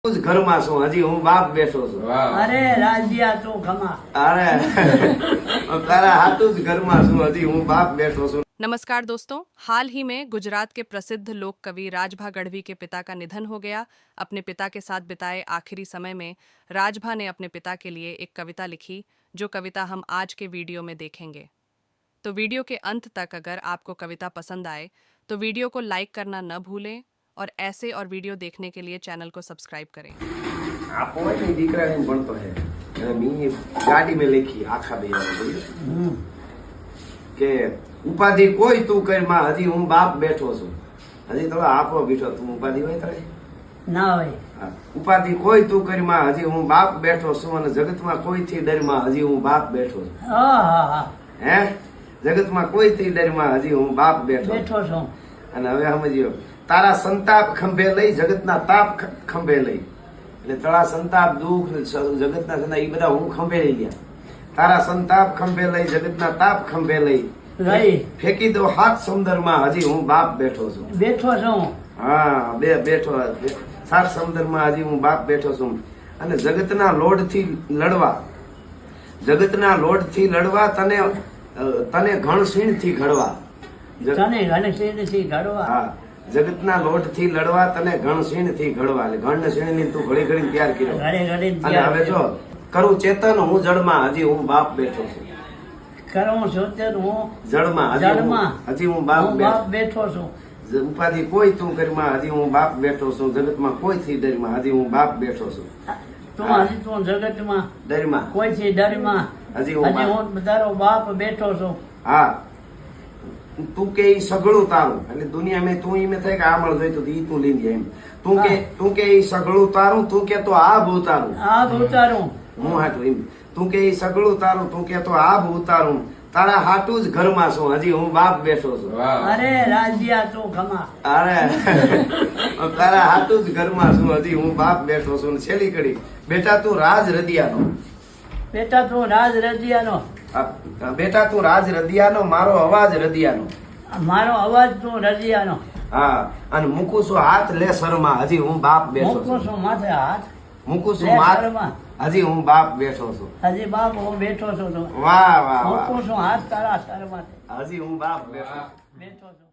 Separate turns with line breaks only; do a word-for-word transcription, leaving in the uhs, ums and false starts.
ઘરમાં છું હજી હું બાપ બેઠો છું।
અરે રાજ્યા તો ખમા
અરે તારા હાથું જ ઘરમાં છું હજી હું બાપ બેठो છું।
नमस्कार दोस्तों, हाल ही में गुजरात के प्रसिद्ध लोक कवि राजभा गढ़वी के पिता का निधन हो गया। अपने पिता के साथ बिताए आखिरी समय में राजभा ने अपने पिता के लिए एक कविता लिखी, जो कविता हम आज के वीडियो में देखेंगे। तो वीडियो के अंत तक अगर आपको कविता पसंद आए तो वीडियो को लाइक करना न भूलें और ऐसे और वीडियो देखने के लिए चैनल को सब्सक्राइब करें।
आप नहीं दीकरा नहीं बनतो है અને મી ગાડી में લખી આખા બે કે ઉપાધિ કોઈ તું કર માં હજી હું બાપ બેઠો છું। હજી તો આપો બેઠો તું ઉપાધિ હોય તારે
ના હોય।
ઉપાધિ કોઈ તું કરી માં હજી હું બાપ બેઠો છું અને જગતમાં કોઈ થી ડર માં હજી હું બાપ બેઠો છું।
હા હા હા
હે જગતમાં કોઈ થી ડર માં હજી હું બાપ બેઠો
બેઠો છું।
અને હવે સમજ્યો તારા સંતાપ ખંભે લઈ જગતના તાપ ખંભે લઈ એટલે તારા સંતાપ દુઃખ જગતના સંતાપ એ બધા હું ખંભે લઈ ગયા। તારા સંતાપ ખંભે લઈ જગતના તાપ ખંભે લઈ
લઈ
ફેંકી દો હાથ સમુદ્રમાં હજી હું બાપ બેઠો છું।
બેઠો છું।
હા બે બેઠો સાત સમુદ્રમાં હજી હું બાપ બેઠો છું। અને જગતના લોડ થી લડવા જગતના લોડ થી લડવા તને તને ઘણસીણ થી ઘડવા
તને ઘણસીણ થી ઘડવા
હા જગતના લોટ થી લડવા તને ઘણસીણ થી ઘડવા એટલે ઘણ સીણ ની તું ઘડી ઘડી તૈયાર કર્યો
ઘડી ઘડી
અને હવે જો કરું ચેતન હું જળમાં હજી હું બાપ બેઠો છું।
કરું સોચર હું
જળમાં હજી હું-
જળમાં
હજી હું બાપ
હું
બેઠો
બાપ બેઠો છું।
છું। ઉપાધિ કોઈ તું કરીમાં હજી હું બાપ બેઠો છું। જગતમાં કોઈ થી ડરમાં હજી હું બાપ બેઠો છું।
તું હજી તું જગતમાં
ડરમાં
કોઈ થી ડરમાં
હજી હું
હજી
બાપ-
હું તારો બાપ બેઠો છું।
હા તું કે ઈ સગળું તારું એટલે દુનિયા મેં તું ઈ થાય કે આ મળ જોઈતું ઈ તું લઈ જાય એમ તું કે તું કે ઈ સગળું તારું તું કે તો આ ભૂતારું
આ ઉતારું
હું હાટું એમ તું કે ઈ સગળું તારું તું કે તો આ ભૂતારું તારા હાટું જ ઘરમાં છું હજી હું બાપ બેઠો છું।
અરે રાજ્યા તો ખમા
અરે તારા હાટું જ ઘરમાં છું હજી હું બાપ બેઠો છું। ને છેલ્લી કડી બેટા તું રાજ રદિયાનો
બેટા તું રાજ રજિયાનો
આ બેટા તું રાજ રદિયાનો મારો અવાજ રદિયાનો
મારો અવાજ તું રજિયાનો
હા અને મૂકું છું હાથ લે શરમાં હજી હું બાપ બેઠો
મૂકું
છું।
છું માથે હાથ
મૂકું છું
લે
માથ
શરમાં
હજી હું બાપ બેઠો છું।
હજી બાપ હું બેઠો છું તો
વાહ વાહ વાહ
મૂકું છું હાથ તારા શરમાં
હજી હું બાપ બેઠો છું।
બેઠો છું।